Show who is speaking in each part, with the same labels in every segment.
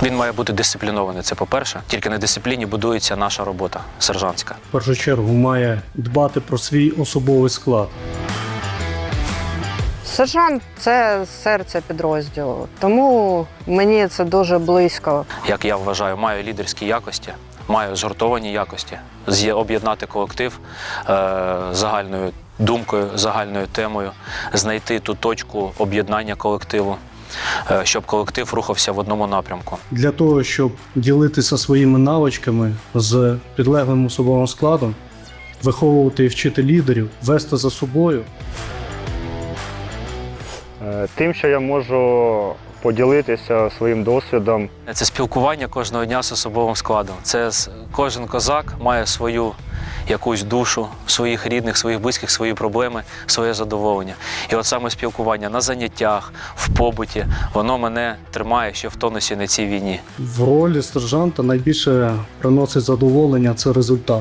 Speaker 1: Він має бути дисциплінований, це по-перше. Тільки на дисципліні будується наша робота сержантська.
Speaker 2: В першу чергу має дбати про свій особовий склад.
Speaker 3: Сержант – це серце підрозділу, тому мені це дуже близько.
Speaker 1: Як я вважаю, маю лідерські якості, маю згуртовані якості, об'єднати колектив загальною думкою, загальною темою, знайти ту точку об'єднання колективу, щоб колектив рухався в одному напрямку.
Speaker 2: Для того, щоб ділитися своїми навичками з підлеглим особовим складом, виховувати і вчити лідерів, вести за собою.
Speaker 4: Тим, що я можу поділитися своїм досвідом.
Speaker 1: Це спілкування кожного дня з особовим складом. Кожен козак має свою якусь душу, своїх рідних, своїх близьких, свої проблеми, своє задоволення. І от саме спілкування на заняттях, в побуті, воно мене тримає ще в тонусі на цій війні.
Speaker 2: В ролі сержанта найбільше приносить задоволення – це результат.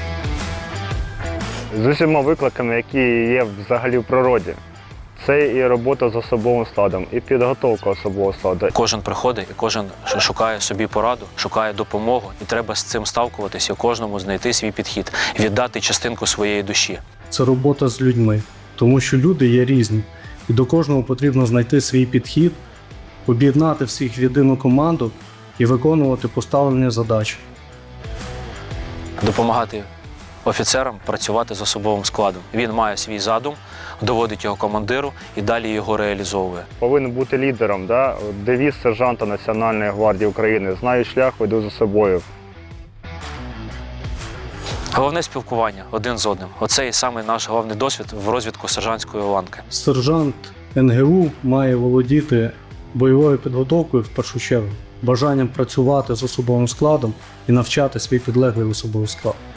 Speaker 4: З усіма викликами, які є взагалі в природі. Це і робота з особовим складом, і підготовка особового складу.
Speaker 1: Кожен приходить і кожен шукає собі пораду, шукає допомогу. І треба з цим сталкуватися, кожному знайти свій підхід, віддати частинку своєї душі.
Speaker 2: Це робота з людьми, тому що люди є різні. І до кожного потрібно знайти свій підхід, об'єднати всіх в єдину команду і виконувати поставлені задачі.
Speaker 1: Допомагати офіцерам працювати з особовим складом. Він має свій задум, доводить його командиру і далі його реалізовує.
Speaker 4: Повинен бути лідером, да? Девіз сержанта Національної гвардії України «Знаю шлях, веду за собою».
Speaker 1: Головне спілкування один з одним. Оце і саме наш головний досвід в розвитку сержантської ланки.
Speaker 2: Сержант НГУ має володіти бойовою підготовкою в першу чергу, бажанням працювати з особовим складом і навчати свій підлеглий особовий склад.